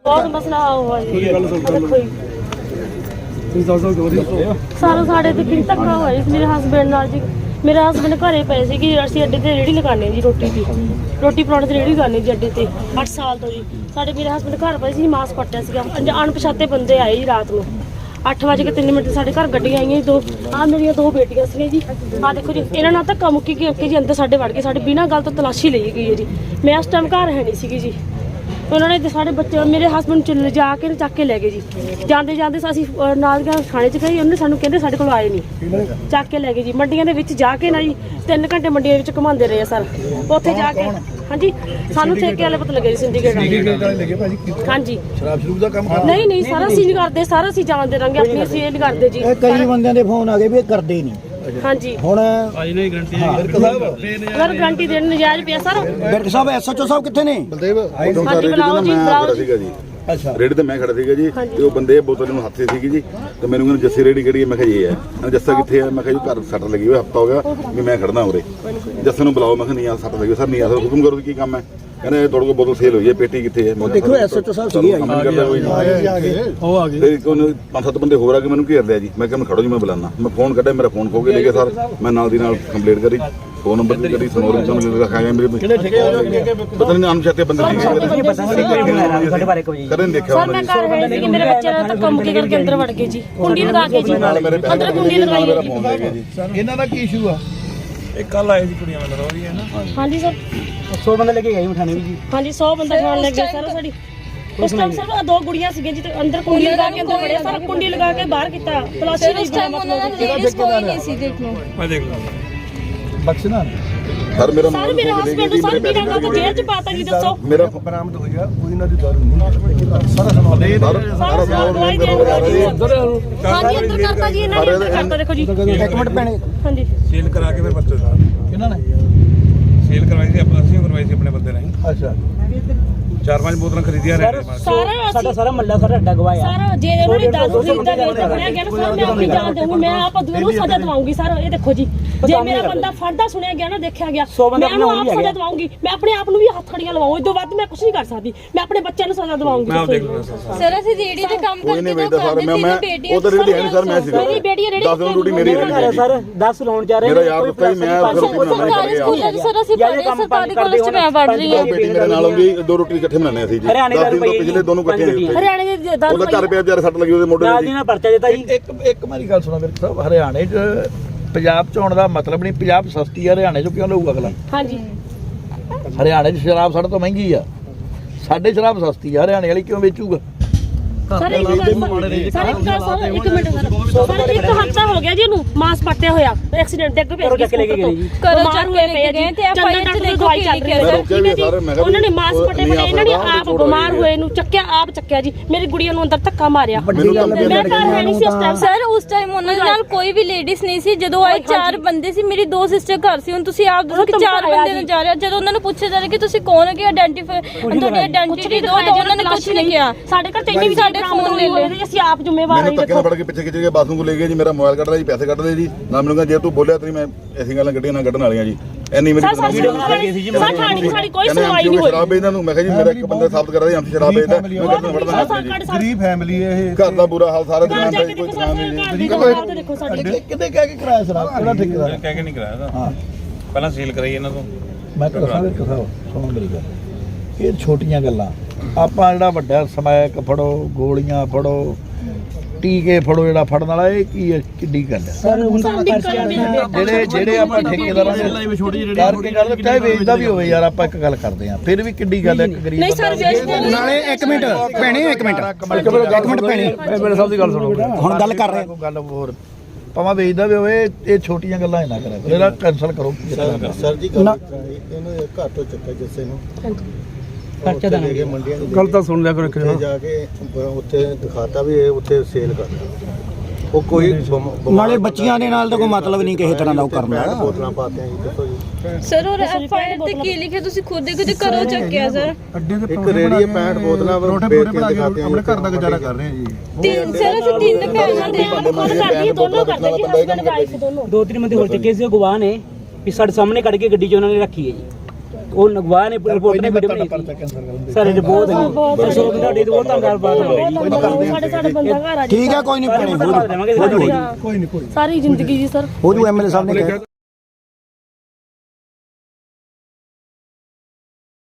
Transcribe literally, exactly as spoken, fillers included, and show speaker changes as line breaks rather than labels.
बहुत मसला हुआ जी सारा साढ़े ते की धक्का होया जी मेरे हसबैंड नाल जी। मेरे हसबैंड घरे पे सी कि असीं अड्डे ते रेहड़ी लगाने जी रोटी दी रोटी पराउणे ते रेहड़ी लगाने जी अड्डे ते अठ साल तो जी। साढ़े मेरे हसबैंड घर पे सी मास पट्टिया सीगा अणपछाते बंदे आए जी रात नूं अठ बज के तीन मिनट साढ़े घर गड्डियां आईयां दो आ मेरिया दो बेटियां सी जी। आ देखो जी इन्हां नाल धक्का मुक्की के जी अंदर साढ़े वड़ के साढ़े बिना गल तो तलाशी ली गई है जी। मैं उस टाइम घर है नहीं सी जी। उन्होंने साढ़े बच्चे मेरे हसबैंड च जा के चक के लै गए जी। जाते जाते असीं नाल थाने च गए उन्होंने सानूं कहंदे साढ़े कोल आए नहीं चक के लै गए जी। मंडियां दे विच जाके ना जी तीन घंटे मंडियां विच घुमाते रहे सर उत्थे जाके हाँ जी सानूं ठेके वाले पता लगे जी सिंडीकेट हाँ जी नहीं नहीं सारा असीं नहीं करदे सारा असीं जानदे रहांगे अपनी असीं ये नहीं करदे जी।
कई बंदियां दे फोन आ गए भी करदे नहीं
हाँ जी
ਹੁਣ
ਅਗਰ ਗਰੰਟੀ ਦੇਣ ਨਜਾਇਜ਼ ਪਿਆ ਸਰ।
ਬਿਰਕ ਸਾਹਿਬ ਐਸਐਚਓ ਸਾਹਿਬ ਕਿੱਥੇ ਨੇ?
ਬਲਦੇਵ ਉਦੋਂ ਸਾਰੇ
ਬੁਲਾਓ ਜੀ ਬੁਲਾਓ
ਸੀਗਾ ਜੀ।
ਅੱਛਾ
ਰੇੜੀ ਤੇ ਮੈਂ ਖੜਾ ਸੀਗਾ ਜੀ ਤੇ ਉਹ ਬੰਦੇ ਬੋਤਲ ਨੂੰ ਹੱਥੇ ਸੀਗੀ ਜੀ ਤੇ ਮੈਨੂੰ ਕਹਿੰਦੇ ਜੱਸੀ ਰੇੜੀ ਕਿਹੜੀ ਹੈ ਮੈਂ ਕਿਹਾ ਇਹ ਹੈ। ਕਹਿੰਦੇ ਜੱਸਾ ਕਿੱਥੇ ਹੈ ਮੈਂ ਕਿਹਾ ਜੀ ਘਰ ਸੱਟ ਲੱਗੀ ਹੋਈ ਹਫਤਾ ਹੋ ਗਿਆ ਵੀ ਮੈਂ ਖੜਨਾ ਉਰੇ ਜੱਸੇ ਨੂੰ ਬੁਲਾਓ। ਮੈਂ ਕਿਹਾ ਨਹੀਂ ਆ ਸੱਟ ਲੱਗੀ ਸਰ ਨਹੀਂ ਆ ਸਰ ਹੁਕਮ ਕਰੋ ਕੀ ਕੰਮ ਹੈ। ਕਹਿੰਦੇ ਤੁਹਾਡੇ ਕੋਲ ਬੋਤਲ ਸੇਲ ਹੋਈ ਹੈ ਪੇਟੀ ਕਿੱਥੇ ਹੈ।
ਦੇਖੋ ਐਸਐਚਓ ਸਾਹਿਬ ਸੀਗੇ
ਉਹ ਆ ਗਏ ਤੇ ਉਹਨੇ ਪੰਜ ਸੱਤ ਬੰਦੇ ਹੋਰ ਆ ਕੇ ਮੈਨੂੰ ਘੇਰ ਲਿਆ ਜੀ। ਮੈਂ ਕਿਹਾ ਮੈਂ ਖੜੋ ਜੀ ਮੈਂ ਬੁਲਾਣਾ ਮੈਂ ਫੋਨ ਕੱਢਿਆ ਮੇਰਾ ਫੋਨ ਖੋ ਕੇ ਲੈ ਗਏ ਸਰ। ਮੈਂ ਨਾਲ ਦੀ ਨਾਲ ਕੰਪਲੇਂਟ ਕਰੀ ਫੋਨ ਨੰਬਰ ਵੀ ਕਰੀ ਸਨੋਰ ਵਿੱਚ ਮੈਨੂੰ ਲਿਖਾਇਆ ਮੇਰੇ ਪਤਾ ਨਹੀਂ ਅਣਪਛਾਤੇ ਬੰਦੇ ਕਦੇ ਦੇਖਿਆ
ਸਰ ਮੈਂ ਘਰ ਹੈ ਸੀ ਕਿ ਮੇਰੇ ਬੱਚੇ ਨਾਲ ਧੱਕਾ ਮੁੱਕੀ ਕਰਕੇ ਅੰਦਰ ਵੜ ਗਏ ਜੀ ਕੁੰਡੀ ਲਗਾ ਕੇ ਜੀ ਅੰਦਰ ਕੁੰਡੀ ਲਗਾਈ ਹੈ ਜੀ।
ਇਹਨਾਂ ਦਾ ਕੀ ਇਸ਼ੂ ਆ? ਇਹ ਕੱਲ ਆਏ ਸੀ ਕੁੜੀਆਂ ਨਾਲ ਰੋ ਰਹੀ ਹੈ ਨਾ।
ਹਾਂਜੀ ਸਰ
ਸੌ ਬੰਦੇ ਲੈ ਕੇ ਗਏ ਮਠਾਣੇ ਵੀ ਜੀ।
ਹਾਂਜੀ ਸੌ ਬੰਦਾ ਖਾਣ ਲੱਗ ਗਿਆ ਸਰ ਸਾਡੀ ਉਸ ਟਾਈਮ ਸਰ ਦੋ ਗੁੜੀਆਂ ਸੀਗੀਆਂ ਜੀ ਤੇ ਅੰਦਰ ਕੁੰਡੀ ਲਗਾ ਕੇ ਅੰਦਰ ਵੜੇ ਸਰ ਕੁੰਡੀ ਲਗਾ ਕੇ ਬਾਹਰ ਕੀਤਾ ਤਲਾਸ਼ੀ ਲਈ
ਮੈਂ ਦੇਖ ਲਾਂ ਬਖਸ਼ਣਾ
ਸਰ ਮੇਰਾ
ਸਰ ਮੇਰੇ ਹਸਬੈਂਡ ਨੂੰ ਸਰ ਬਿਨਾਂ ਗੱਲ ਤੋਂ ਜੇਲ੍ਹ ਚ ਪਾਤਾ ਜੀ ਦੱਸੋ
ਮੇਰਾ
ਬਰਾਮਦ ਹੋਈ ਆ ਕੋਈ ਇਹਨਾਂ ਦੀ ਦਾਰੂ ਨਹੀਂ ਸਾਰਾ ਸਮਾਨ ਦੇ
ਸਾਰਾ ਸਮਾਨ ਦਵਾਈ ਦੇਣ ਹਾਂਜੀ ਅੰਦਰ ਕਰਤਾ ਜੀ ਇਹਨਾਂ ਨੇ ਅੰਦਰ ਕਰਤਾ ਦੇਖੋ ਜੀ
ਇੱਕ ਮਿੰਟ ਭੈਣੇ
ਹਾਂਜੀ
ਸੀਲ ਕਰਾ ਕੇ ਫਿਰ ਬੱਚੇ ਸਾਹਿਬ
ਕਿਹਨਾਂ ਨੇ
ਸੀਲ ਕਰਵਾਈ ਸੀ ਆਪਾਂ ਅਸੀਂ ਕਰਵਾਈ ਸੀ ਆਪਣੇ ਬੰਦੇ ਨੇ
ਅੱਛਾ
ਚਾਰ ਪੰਜ ਬੋਤਲਾਂ ਖਰੀਦੀਆਂ ਨੇ
ਸਾਰਾ
ਸਾਡਾ ਸਾਰਾ ਮੱਲਾ ਸਾਡਾ ਅੱਡਾ ਗਵਾਇਆ
ਸਾਰਾ ਜੇ ਉਹਨਾਂ ਨੇ ਦਾਰੂ ਖਰੀਦਾ ਨਹੀਂ ਤਾਂ ਬਣਿਆ ਗਿਆ ਨਾ ਸਰ ਮੈਂ ਆਪਣੀ ਜਾਨ ਦਊਂਗੀ ਮੈਂ ਆਪ ਅਦੂ ਨੂੰ ਸਜ਼ਾ ਦਵਾਉਂਗੀ ਸਰ। ਇਹ ਦੇਖੋ ਜੀ ਜੇ ਮੇਰਾ ਬੰਦਾ ਫੜਦਾ ਸੁਣਿਆ ਗਿਆ ਨਾ ਦੇਖਿਆ ਗਿਆ ਮੈਂ ਉਹਨੂੰ ਆਪ ਸਜ਼ਾ ਦਵਾਉਂਗੀ। ਮੈਂ ਆਪਣੇ ਆਪ ਨੂੰ ਵੀ ਹੱਥ ਖੜੀਆਂ ਲਵਾਉਂ ਇਸ ਤੋਂ ਵੱਧ ਮੈਂ ਕੁਝ ਨਹੀਂ ਕਰ ਸਕਦੀ। ਮੈਂ ਆਪਣੇ ਬੱਚਿਆਂ ਨੂੰ ਸਜ਼ਾ ਦਵਾਉਂਗੀ।
ਮੈਂ ਆਪ ਦੇਖ ਲਵਾਂ
ਸਰ ਅਸੀਂ ਰੇੜੀ ਤੇ ਕੰਮ
ਕੋਈ ਨਹੀਂ
ਕਰਦੇ
ਵੇਚਦਾ ਸਰ ਮੈਂ ਮੈਂ ਉਹ ਤਾਂ ਰੇੜੀ ਹੈ ਨਹੀਂ ਸਰ ਮੈਂ ਸੀਗਾ
ਮੇਰੀ ਬੇਟੀ ਰੇੜੀ
ਦਸ ਦਿਨ ਡਿਊਟੀ ਮੇਰੀ ਹੈ
ਸਰ ਦਸ ਲਾਉਣ ਜਾ ਰਹੇ
ਮੇਰਾ ਯਾਰ ਦਿੱਤਾ ਹੀ ਮੈਂ
ਸਰਕਾਰੀ ਸਕੂਲਾਂ 'ਚ ਸਰ ਅਸੀਂ ਪੜ੍ਹੇ ਸਰਕਾਰੀ ਕਾਲਜ 'ਚ ਮੈਂ ਪੜ੍ਹ ਰਹੀ ਹਾਂ।
ਬੇਟੀ ਮੇਰੇ ਨਾਲ ਆਉਂਦੀ ਦੋ ਰੋਟੀ ਇਕੱਠੇ ਬਣਾਉਂਦੇ ਸੀ ਜੀ ਦਸ ਦਿਨ ਤੋਂ ਪਿਛਲੇ ਦੋਨੋਂ ਇਕੱਠੇ
ਹਰਿਆਣੇ ਦੇ ਦਾਰੂ
ਉਹਦਾ ਘਰ ਪਿਆ ਵਿਚਾਰੇ ਸੱਟ ਲੱਗੀ ਉਹਦੇ ਮੋਢੇ
ਨਾਲ ਦੀ ਨਾਲ ਪਰਚਾ ਦਿੱਤਾ ਜੀ।
ਇੱਕ ਇੱਕ ਮੇਰੀ ਗੱਲ ਸੁਣੋ ਮੇਰੇ ਸਾਹਿਬ ਹਰਿਆਣੇ 'ਚ ਪੰਜਾਬ 'ਚ ਆਉਣ ਦਾ ਮਤਲਬ ਨਹੀਂ ਪੰਜਾਬ ਸਸਤੀ ਆ ਹਰਿਆਣੇ 'ਚ ਕਿਉਂ ਲਊਗਾ ਅਗਲਾ?
ਹਾਂਜੀ
ਹਰਿਆਣੇ 'ਚ ਸ਼ਰਾਬ ਸਾਡੇ ਤੋਂ ਮਹਿੰਗੀ ਆ ਸਾਡੇ ਸ਼ਰਾਬ ਸਸਤੀ ਆ ਹਰਿਆਣੇ ਵਾਲੀ ਕਿਉਂ ਵੇਚੂਗਾ?
ਸਰ ਇੱਕ ਗੱਲ ਸਰ ਇੱਕ ਗੱਲ ਸਰ ਇੱਕ ਮਿੰਟ ਸਰ ਸਰ ਇੱਕ ਹਫਤਾ ਹੋ ਗਿਆ ਜੀ ਇਹਨੂੰ ਮਾਸ ਪੱਟਿਆ ਹੋਇਆ ਐਕਸੀਡੈਂਟ ਡਿੱਗ ਪਿਆ
ਚੱਕ ਲੈ ਕੇ ਗਏ ਜੀ
ਕਰੋ ਚੱਕ ਕੇ ਲੈ ਗਏ ਤੇ ਆਪਾਂ ਇੱਥੇ ਦੇਖੋ ਕੀ ਲਿਖਿਆ ਸਰ
ਉਹਨਾਂ ਨੇ ਮਾਸ ਪੱਟੇ ਪੱਟੇ ਇਹਨਾਂ ਨੇ ਆਪ ਬਿਮਾਰ ਹੋਏ ਨੂੰ ਚੱਕਿਆ ਆਪ ਚੱਕਿਆ ਜੀ ਮੇਰੀ ਗੁੜੀਆ ਨੂੰ ਅੰਦਰ ਧੱਕਾ ਮਾਰਿਆ। ਮੈਂ ਘਰ ਹੈ ਨਹੀਂ ਸੀ ਉਸ ਟਾਈਮ
ਸਰ ਉਸ ਟਾਈਮ ਉਹਨਾਂ ਦੇ ਨਾਲ ਕੋਈ ਵੀ ਲੇਡੀਜ਼ ਨਹੀਂ ਸੀ ਜਦੋਂ ਆਏ ਚਾਰ ਬੰਦੇ ਸੀ ਮੇਰੀ ਦੋ ਸਿਸਟਰ ਘਰ ਸੀ। ਹੁਣ ਤੁਸੀਂ ਆਪ ਦੱਸੋ ਕਿ ਚਾਰ ਬੰਦੇ ਨੂੰ ਜਾ ਰਿਹਾ ਜਦੋਂ ਉਹਨਾਂ ਨੂੰ ਪੁੱਛਿਆ ਜਾ ਰਿਹਾ ਕਿ ਤੁਸੀਂ ਕੌਣ ਹੋ ਕਿ ਆਇਡੈਂਟੀਫਾਈ ਤੁਹਾਡੀ ਆਇਡੈਂਟੀਟੀ ਦਿਓ ਤਾਂ ਉਹਨਾਂ ਨੇ ਕੁਝ ਨਹੀਂ ਕਿਹਾ।
ਸਾਡੇ ਘਰ ਤੇ ਵੀ ਸਾਡੇ ਫੋਨ ਲੈ ਲਏ ਅਸੀਂ ਆਪ ਜ਼ਿੰਮੇਵਾਰ
ਮੈਨੂੰ ਧੱਕੇ ਨਾਲ ਫੜ ਕੇ ਪਿੱਛੇ ਖਿੱਚ ਕੇ ਬਾਥਰੂਮ ਕੋ ਲੈ ਗਏ ਜੀ ਮੇਰਾ ਮੋਬਾਈਲ ਕੱਢ ਲਿਆ ਜੀ ਪੈਸੇ ਕੱਢ ਲਏ ਜੀ ਨਾ ਮੈਨੂੰ ਕਹਿੰਦਾ ਜੇ ਤੂੰ ਬੋਲਿਆ ਤੇਰੀ ਮੈਂ ਐਸੀ ਗੱਲਾਂ ਕੱਢੀਆਂ ਨਾ ਕੱਢਣ ਵਾਲੀਆਂ ਜੀ ਐਨੀ ਮੇਰੀ
ਸਾਡੀ ਕੋਈ ਸੁਣਵਾਈ ਨਹੀਂ ਹੋਈ।
ਸ਼ਰਾਬ ਵੇਚਦਾ ਨੂੰ ਮੈਂ ਕਿਹਾ ਜੀ ਮੇਰਾ ਇੱਕ ਬੰਦਾ ਸਾਬਤ ਕਰਾ ਦੇ ਅੰਤ ਸ਼ਰਾਬ ਵੇਚਦਾ ਮੈਂ ਕੱਢਣ ਵੜਦਾ
ਗਰੀਬ ਫੈਮਿਲੀ ਇਹ
ਘਰ ਦਾ ਬੁਰਾ ਹਾਲ ਸਾਰਾ ਦੁਕਾਨ ਤੇ ਕੋਈ ਦੁਕਾਨ ਨਹੀਂ
ਦੇਖੋ ਸਾਡੀ
ਕਿਤੇ ਕਹਿ ਕੇ ਕਰਾਇਆ ਸ਼ਰਾਬ ਕਿਹੜਾ ਠੇਕੇਦਾਰ
ਕਹਿ ਕੇ ਨਹੀਂ ਕਰਾਇਆ
ਹਾਂ
ਪਹਿਲਾਂ ਸੀਲ ਕਰਾਈ ਇਹਨਾਂ ਤੋਂ।
ਮੈਂ ਤਾਂ ਦੱਸਾਂ ਇੱਕ ਕਥਾ ਸੁਣੋ ਮੇਰੀ ਗੱਲ ਇਹ ਛੋਟੀਆਂ ਗੱਲਾਂ ਆਪਾਂ ਜਿਹੜਾ ਵੱਡਾ ਸਮੈਕ ਫੜੋ ਗੋਲੀਆਂ ਫੜੋ ਟੀਕੇ ਫੜੋ ਜਿਹੜਾ ਫੜਨ ਵਾਲਾ ਇਹ ਕੀ ਹੈ ਕਿੱਡੀ ਗੱਲ ਹੈ
ਸਰ ਹੁਣ ਤਾਂ
ਜਿਹੜੇ ਜਿਹੜੇ ਆਪਾਂ ਠੇਕੇਦਾਰਾਂ ਦੇ ਕਰਕੇ ਗੱਲ ਚਾਹੇ ਵੇਚਦਾ ਵੀ ਹੋਵੇ ਯਾਰ ਆਪਾਂ ਇੱਕ ਗੱਲ ਕਰਦੇ ਆ ਫਿਰ ਵੀ ਕਿੱਡੀ ਗੱਲ ਹੈ ਇੱਕ ਗਰੀਬ
ਨਹੀਂ ਸਰ ਵੇਚਦੇ
ਨਾਲੇ ਇੱਕ ਮਿੰਟ ਭੈਣੇ ਇੱਕ ਮਿੰਟ ਇੱਕ ਮਿੰਟ ਭੈਣੇ
ਮੇਰੇ ਸਾਹਿਬ ਦੀ ਗੱਲ ਸੁਣੋ
ਹੁਣ ਗੱਲ ਕਰ ਰਹੇ
ਗੱਲ ਹੋਰ ਭਾਵੇਂ ਵੇਚਦਾ ਵੀ ਹੋਵੇ ਇਹ ਛੋਟੀਆਂ ਗੱਲਾਂ ਹੀ ਨਾ ਕਰਿਆ ਕਰੋ ਇਹਦਾ ਕੈਂਸਲ ਕਰੋ
ਸਰ ਜੀ ਗੱਲ ਇਹਨੂੰ ਘਰ ਤੋਂ ਚੱਕਿਆ ਜਿਸੇ ਨੂੰ
ਖਰਚਾ ਦੇਣਾ
ਮੰਡੀਆਂ ਦੀ
ਗੱਲ ਤਾਂ ਸੁਣ ਲਿਆ ਕਰੋ
ਉੱਥੇ ਜਾ ਕੇ ਉੱਥੇ ਦਿਖਾਤਾ ਵੀ ਇਹ ਉੱਥੇ ਸੇਲ ਕਰਦਾ ਉਹ ਕੋਈ
ਨਾਲੇ ਬੱਚੀਆਂ ਦੇ ਨਾਲ ਤਾਂ ਕੋਈ ਮਤਲਬ ਨਹੀਂ ਕਿਸੇ ਤਰ੍ਹਾਂ ਦਾ ਉਹ ਕਰਨਾ
ਬੋਤਲਾਂ ਪਾਤੇ ਆ ਜੀ ਦੇਖੋ ਜੀ
ਸਰ ਉਹ ਐਫ ਆਈ ਆਰ ਤੇ ਕੀ ਲਿਖਿਆ ਤੁਸੀਂ ਖੁਦ ਦੇਖੋ ਜੇ ਕਰੋ ਚੱਕਿਆ ਸਰ
ਇੱਕ ਰੇੜੀ ਪੈਂਹਠ ਬੋਤਲਾਂ ਵੇਚ ਕੇ ਦਿਖਾਤੇ ਆਪਣੇ ਘਰ ਦਾ ਗੁਜ਼ਾਰਾ ਕਰ ਰਹੇ ਆ ਜੀ।
ਤਿੰਨ ਸਰ ਅਸੀਂ ਤਿੰਨ ਭੈਣਾਂ ਦੇ
ਖੁਦ ਕਰਦੀ ਦੋਨੋਂ ਕਰਦੇ ਜੀ ਹਸਬੰਡ ਵਾਈਫ ਦੋਨੋਂ
ਦੋ ਤਿੰਨ ਬੰਦੇ ਹੋਰ ਚੱਕੇ ਸੀ ਗਵਾਹ ਨੇ ਵੀ ਸਾਡੇ ਸਾਹਮਣੇ ਕੱਢ ਕੇ ਗੱਡੀ 'ਚ ਉਹਨਾਂ ਨੇ ਰੱਖੀ ਹੈ ਜੀ
ਉਹ ਨਗਵਾ ਨੇ ਰਿਪੋਰਟ ਨੇ ਵੀਡੀਓ ਬਣਾਈ
ਪਰਚਾ ਕੈਂਸਲ ਕਰਨ ਦੇ
ਸਾਰੇ ਰਿਪੋਰਟ ਹੈ ਸੋ ਤੁਹਾਡੀ ਬਹੁਤ ਧੰਨਵਾਦ
ਸਾਡੇ ਸਾਡੇ ਬੰਦਾ ਘਰ ਆ ਜੀ
ਠੀਕ ਹੈ ਕੋਈ ਨਹੀਂ ਭੈਣੇ ਹੋ ਜੂ
ਦੇਵਾਂਗੇ
ਕੋਈ ਨਹੀਂ ਕੋਈ
ਸਾਰੀ ਜ਼ਿੰਦਗੀ ਜੀ ਸਰ
ਹੋ ਜੂ ਐਮਐਲਏ ਸਾਹਿਬ ਨੇ ਕਿਹਾ